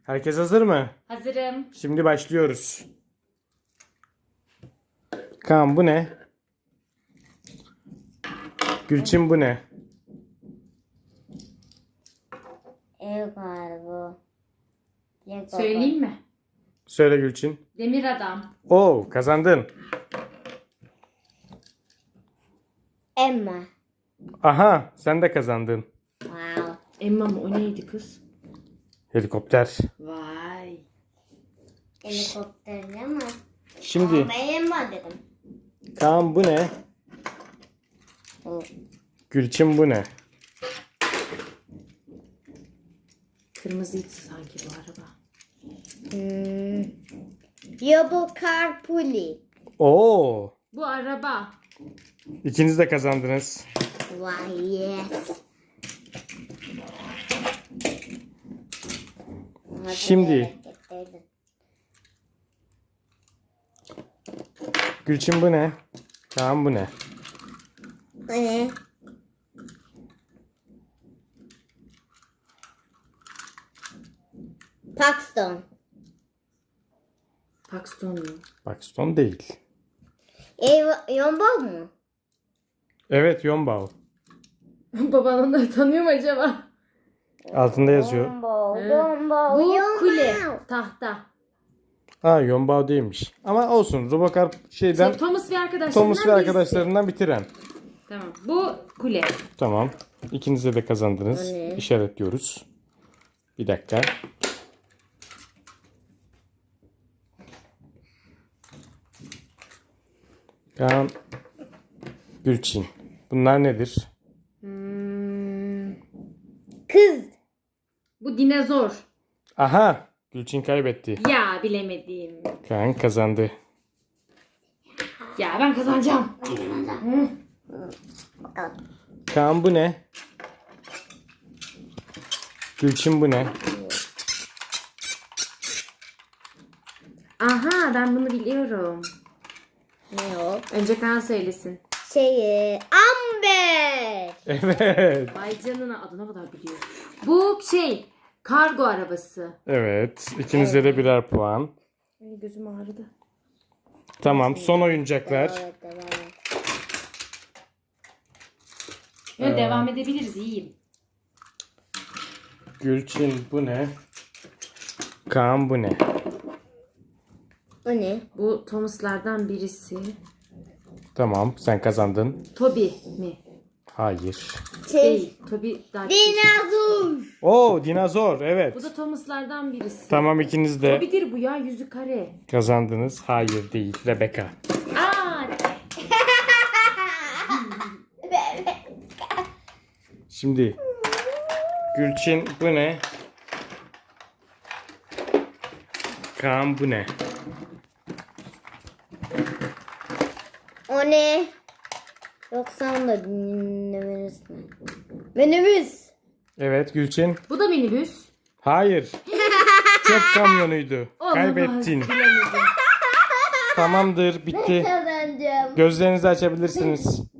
Herkes hazır mı? Hazırım. Şimdi başlıyoruz. Kaan bu ne? Gülçin bu ne? Ev galiba. Söyleyeyim mi? Söyle Gülçin. Demir adam. Oo, kazandın. Emma. Aha, sen de kazandın. Wow. Emma mı? O neydi kız? Helikopter. Vay. Helikopterli ama. Şimdi Ben Emma dedim. Kaan bu ne? Gülçin bu ne? Kırmızıydı sanki bu araba. Yobo Carpuli. Oo, Bu araba. ikiniz de kazandınız. Vay yes. Şimdi Gülçin bu ne? Kaan bu ne? Ne? Paxton. Paxton mu? Paxton değil. Yombo mu? Evet, Yonbao. Baban onları tanıyor mu acaba? Altında yazıyor. Yombo. He. Yombo. Bu Yombo. kule. Tahta. Ha, Yonbao değilmiş. Ama olsun. Robocar şeyden Thomas ve arkadaşlarından Thomas ve birisi. arkadaşlarından bitiren. Tamam. Bu kule. Tamam. İkiniz de kazandınız. O ne? İşaretliyoruz. Bir dakika. Kaan, Gülçin. Bunlar nedir? Kız. Bu dinozor. Aha! Gülçin kaybetti. Ya bilemedim. Kaan kazandı. Ya ben kazanacağım. Kaan bu ne? Gülçin bu ne? Aha ben bunu biliyorum. Ne o? Önce Kaan söylesin. Amber. Evet. Vay canına adına kadar biliyor. Bu kargo arabası. Evet. İkinize de birer puan. Ay, gözüm ağrıdı. Tamam. Son oyuncaklar. Evet, evet. Devam edebiliriz iyiyim. Gülçin bu ne? Kaan bu ne? O ne? Bu Thomas'lardan birisi. Tamam. Sen kazandın. Toby mi? Hayır. Değil. Toby daha Dinozor. Oo, dinozor. Evet. Bu da Thomas'lardan birisi. Tamam, ikiniz de Toby'dir bu ya, yüzü kare. kazandınız. Hayır değil. Rebecca. Aa! Şimdi Gülçin bu ne? Kaan bu ne? O ne? Yoksa onu da minibüs mü? Minibüs. Evet Gülçin. Bu da minibüs. Hayır. Çöp kamyonuydu. Olamaz, Kaybettin. bilemedim. Tamamdır. Bitti. Kazanacağım. Gözlerinizi açabilirsiniz.